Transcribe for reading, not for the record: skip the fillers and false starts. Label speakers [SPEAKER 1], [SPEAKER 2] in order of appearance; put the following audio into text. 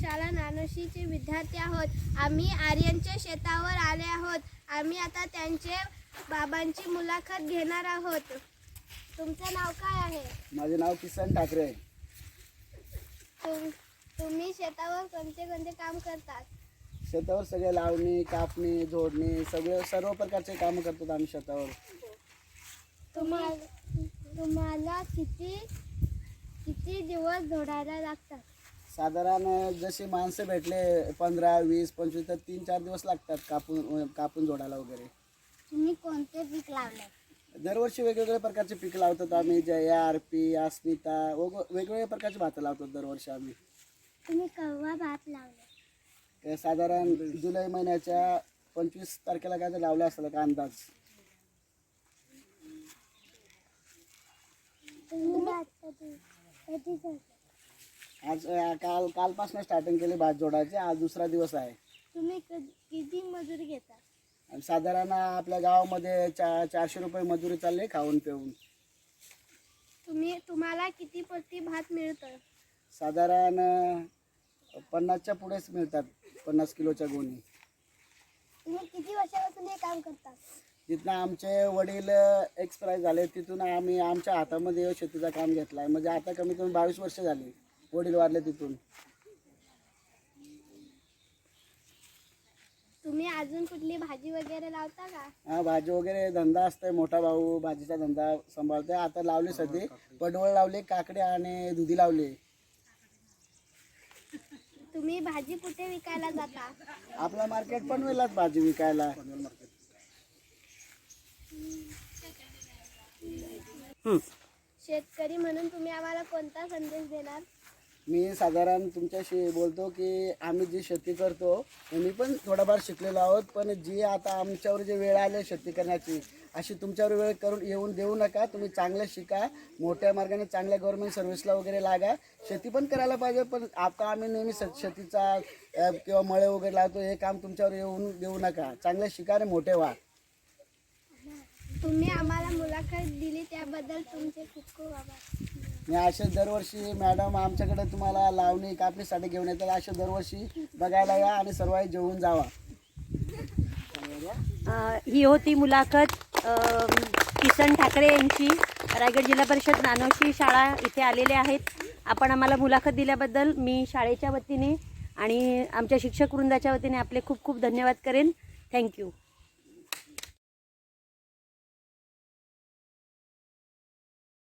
[SPEAKER 1] शाळा नानोशीचे विद्यार्थी आहोत। आम्ही आर्यनच्या शेतावर आले आहोत। आम्ही आता त्यांचे बाबांची मुलाखत घेणार आहोत। तुमचं नाव काय आहे?
[SPEAKER 2] माझे नाव किसन ठाकरे आहे।
[SPEAKER 1] तुम्ही शेतावर कोणते कोणते काम करतात?
[SPEAKER 2] शेतावर सगळे लावणी, कापणी, झोडणी सर्व प्रकारचे काम करतो आम्ही शेतावर।
[SPEAKER 1] तुम्हाला किती दिवस झोडायला लागतात?
[SPEAKER 2] साधारण जसे माणसं भेटले 15, 20, 25 तर 3-4 दिवस लागतात कापून जोडायला वगैरे।
[SPEAKER 1] तुम्ही कोणते पीक लावले?
[SPEAKER 2] दरवर्षी वेगवेगळ्या प्रकारचे पीक लावतात आम्ही। जया, आरपी, अस्मिता वेगवेगळ्या प्रकारचे भातं लावतात दरवर्षी आम्ही।
[SPEAKER 1] तुम्ही केव्हा भात लावले?
[SPEAKER 2] साधारण जुलै महिन्याच्या 25 तारखेला काय तर लावले असेल का अंदाज। आज कालपासून स्टार्टिंग केली भात जोडायची। आज दुसरा दिवस आहे।
[SPEAKER 1] तुम्ही किती मजुरी घेता?
[SPEAKER 2] साधारण आपल्या गावामध्ये 400 रुपये मजुरी चालली खाऊन पिऊन।
[SPEAKER 1] तुम्हाला किती पट्टी भात मिळतं?
[SPEAKER 2] साधारण 50च्या पुढेच मिळतात, 50 किलोच्या गोणी।
[SPEAKER 1] तुम्ही किती वर्षापासून हे काम करता?
[SPEAKER 2] तिथनं आमचे वडील एक्सपायर झाले, तिथून आम्ही आमच्या हातामध्ये शेतीचं काम घेतलं आहे। म्हणजे आता कमीत कमी 22 वर्ष झाली वडील वारले तिथून।
[SPEAKER 1] तुम्ही अजून कुठली भाजी वगैरे लावता का?
[SPEAKER 2] हा, भाजी वगैरे धंदा असतोय। मोठा भाऊ भाजीचा धंदा सांभाळतोय। आता लावले सध्या पडवळ लावले, काकडे आणि दुधी लावले।
[SPEAKER 1] तुम्ही भाजी कुठे विकायला जाता?
[SPEAKER 2] आपला मार्केट पनवेललाच भाजी विकायला।
[SPEAKER 1] शेतकरी म्हणून तुम्ही आम्हाला कोणता संदेश देणार?
[SPEAKER 2] मी साधारण तुमच्याशी बोलतो की आम्ही जी शेती करतो मी पण थोडाफार शिकलेलो आहोत, पण जी आता आमच्यावर जी वेळ आली शेती करण्याची अशी तुमच्यावर वेळ करून येऊन देऊ नका। तुम्ही चांगलं शिका, मोठ्या मार्गाने चांगल्या गव्हर्नमेंट सर्व्हिसला वगैरे लागा। शेती पण करायला पाहिजे, पण आता आम्ही नेहमी शेतीचा किंवा मळे वगैरे लावतो हे काम तुमच्यावर येऊन देऊ नका। चांगलं शिका आणि मोठे व्हा।
[SPEAKER 1] तुम्ही आम्हाला मुलाखत दिली त्याबद्दल तुमचे खूप खूप आभार।
[SPEAKER 2] मी असे दरवर्षी मॅडम आमच्याकडे तुम्हाला लावणी कापणीसाठी घेऊन येतात। असे दरवर्षी बघायला या आणि सर्व जेवून जावा।
[SPEAKER 3] ही होती मुलाखत किसन ठाकरे यांची। रायगड जिल्हा परिषद नानोशी शाळा इथे आलेले आहेत। आपण आम्हाला मुलाखत दिल्याबद्दल मी शाळेच्या वतीने आणि आमच्या शिक्षक वृंदाच्या वतीने आपले खूप खूप धन्यवाद करेन। थँक्यू।